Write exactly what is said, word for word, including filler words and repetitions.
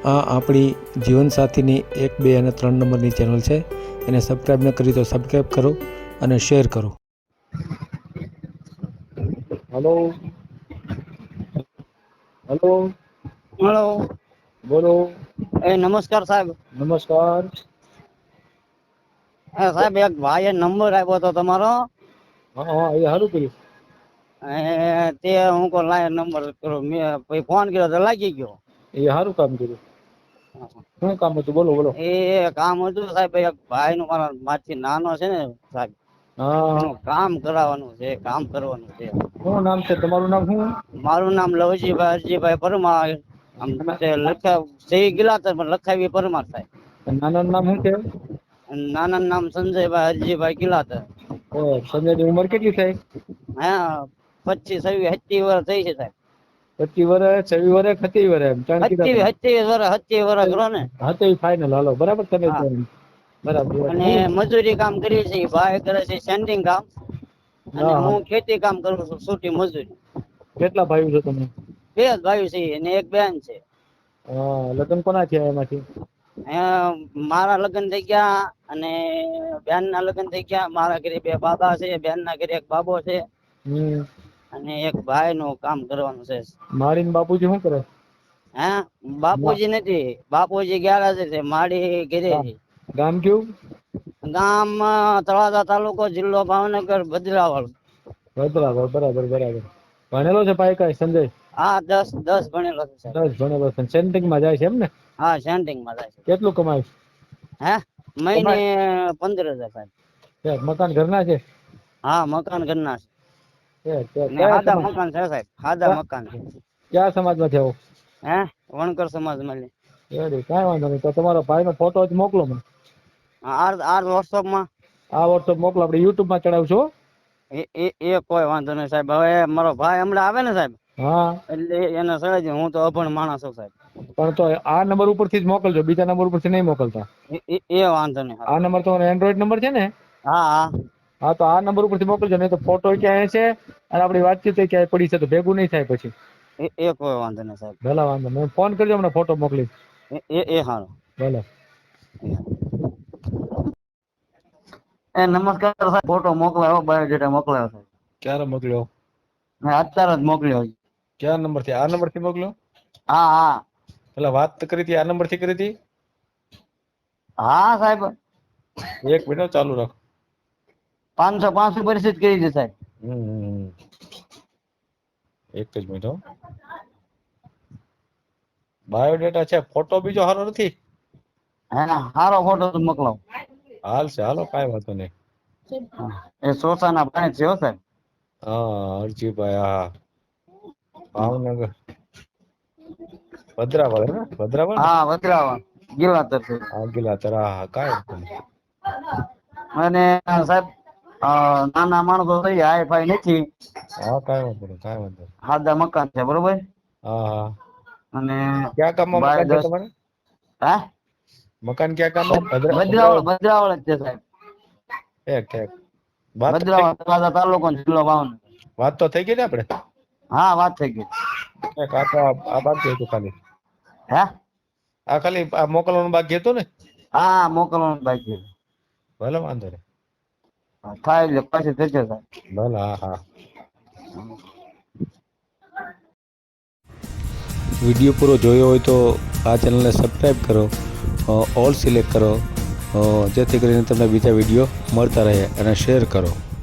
આ આપણી જીવનસાથીની એક બે અને ત્રણ નંબરની ચેનલ છે. એને સબસ્ક્રાઈબ ન કરી તો સબસ્ક્રાઈબ કરો અને શેર કરો. Hello hello hello. બોલો. એ નમસ્કાર સાહેબ. નમસ્કાર. હ સાહેબ એક ભાઈ એ નંબર આપ્યો હતો તમારો. હા હા એ સારું કર્યું. એ તે હું કો લાય નંબર મેં ફોન કર્યો તો લાગી ગયો. એ સારું કામ કર્યું. શું કામ હતું બોલો બોલો. એ કામ હતું સાહેબ એક ભાઈ નું મારા મારથી નાનો છે ને સાહેબ. હા. એનું કામ કરાવવાનું છે કામ કરવાનું છે. શું નામ છે તમારું નામ શું? મારું નામ લવજીભાઈ અરજીભાઈ પરમાર. આમ લખાવ સહી ગેલા પણ લખાવી પરમાર થાય. નાના નામ શું છે? નાના નામ સંજયભાઈ હરજીભાઈ ગિલાધર. ઓ સંજય ની ઉંમર કેટલી થાય? હા પચીસ છવ્વીસ સત્તાવીસ વર્ષ થઈ છે સાહેબ. પચીસ વર્ષ છવ્વીસ વર્ષ સત્તાવીસ વર્ષ એમ ત્રણ કીધા સત્યાવીસ તમે. સત્યાવીસ વર્ષ સત્યાવીસ વર્ષ કરો ને. હા તો એ ફાઈનલ હાલો બરાબર તમે હા બરાબર અને હું મજૂરી કામ કરીએ છીએ ભાઈ કરે છે સેન્ટિંગ કામ. અને હા હા હું ખેતી કામ કરું છું છૂટી મજૂરી. કેટલા ભાઈઓ છો તમે? બે જ ભાઈ છે અને એક બેન છે. હા લગ્ન કોના થયા એમાંથી? હ મારા લગ્ન થઈ ગયા અને બેન ના લગ્ન થઈ ગયા. મારા ઘરે બે બાબા છે બેન ના ઘરે એક બાબો છે. હમ. અને એક ભાઈ નું કામ કરવાનું છે. મારીને બાપુજી શું કરે? હે મા- બાપુજી નથી બાપુજી ગ્યારહજ છે મારી ઘરે ગામ છે. ગામ કયું? ગામ તળાજા તાલુકો જિલ્લો ભાવનગર ભદ્રાવળ. બરાબર બરાબર બરાબર ભણેલો છે પાય સંજય? હા દસ દસ ભણેલો છે સાહેબ. દસ ભણેલો છે સેન્ટિંગમાં જાય છે એમ ને? હા સેન્ટિંગમાં જાય છે. કેટલું કમાય? હે મહિને કમાય પંદર હજાર સાહેબ. મકાન ઘરના છે? હા મકાન ઘરના છે. છે છે. ને કયા સાદા સમાજ મકાન છે સાહેબ સાદા ક્યાં મકાન છે. ક્યાં સમાજમાં છે આવો? હે વણકર સમાજમાં છે. એ કઈ વાંધો નહી તો તમારો ભાઈ નો ફોટો જ મોકલો મને. આ આ વોટ્સઅપમાં. આ વોટ્સઅપ મોકલો આપણે યુટ્યુબમાં ચડાવશું હો. એ એ એ કોઈ વાંધો નહી સાહેબ હવે મારો ભાઈ હમણાં આવે ને સાહેબ. હા. એટલે એને સડાઈ દે હું તો અભણ માણસ છું સાહેબ. પણ તો આ નંબર ઉપરથી જ મોકલજો બીજા નંબર ઉપરથી નઈ મોકલતા. એ એ એ વાંધો નહી આ સાહેબ. નંબર તમારો એન્ડ્રોઈડ નંબર છે ને? હા હા. હા તો આ નંબર ઉપરથી મોકલજો નહી તો ફોટો ક્યાં છે. અને આપડી વાતચીત ક્યાંય પડી છે તો ભેગું નઈ થાય પછી. એ એ કોઈ વાંધો નહી સાહેબ. ભલે વાંધો નઈ ફોન કરજો હમણાં ફોટો મોકલીશ. એ એ એ હારું. ભલે. એ નમસ્કાર સાહેબ ફોટો મોકલાયો બાયોડેટા મોકલાયો છે. ક્યારે મોકલ્યો? મે અત્યારે જ મોકલ્યો. ક્યા નંબરથી આ નંબરથી મોકલ્યો? હા હા. પેલા વાત કરી હતી આ નંબરથી કરી હતી? હા સાહેબ. એક મિનિટ ચાલુ રાખો. પાંચસો પાંચસો પરિસ્થિત કરી છે સાહેબ. હમ એક જ મિનિટ હો. બાયોડેટા છે ફોટો બીજો હારો નથી? હે હારો ફોટો તો મોકલાવો. હાલશે હાલો કઈ વાંધો નહી. એ શોષાના ભાઈ છે હો સાહેબ. હા અરજીભાઈ હા ભાવનગર. ભદ્રાવળ હે ભદ્રાવળ ને? હા વજરાવા ગિલાધર છે. હા ગિલાધર હા કાઈ વાંધો નહી. અને સાહેબ નાના માણસો થઈ હાઈ ફાઈ નથી. હા કાઈ વાંધો નહી કાઈ વાંધો નહી. હાદા મકાન છે બરોબર. હા હા. અને ક્યાં ગામમાં બાય મકાન છે દસ તમારે હે? મકાન ક્યાં ગામમાં ભદ્રા ભદ્રાવળ ભદ્રાવળ જ છે સાહેબ. ઠીક ઠીક. વાત તો થઈ ભદ્રાવળ તળાજા તાલુકો જિલ્લો ભાવનગર. વાત તો થઈ ગઈ ને આપડે? હા વાત થઈ ગઈ. એક આ તો આ બાકી હતું ખાલી. હે? આ ખાલી આ મોકલવાનું બાકી હતું ને? હા મોકલવાનું બાકી છે. ભલે વાંધો નહી. થાય એટલે પછી થશે સાહેબ. ભલે હા હા. વિડીયો પૂરો જોયો હોય તો આ ચેનલને સબસ્ક્રાઈબ કરો, ઓલ સિલેક્ટ કરો જેથી કરીને તમને બીજા વિડીયો મળતા રહે અને શેર કરો.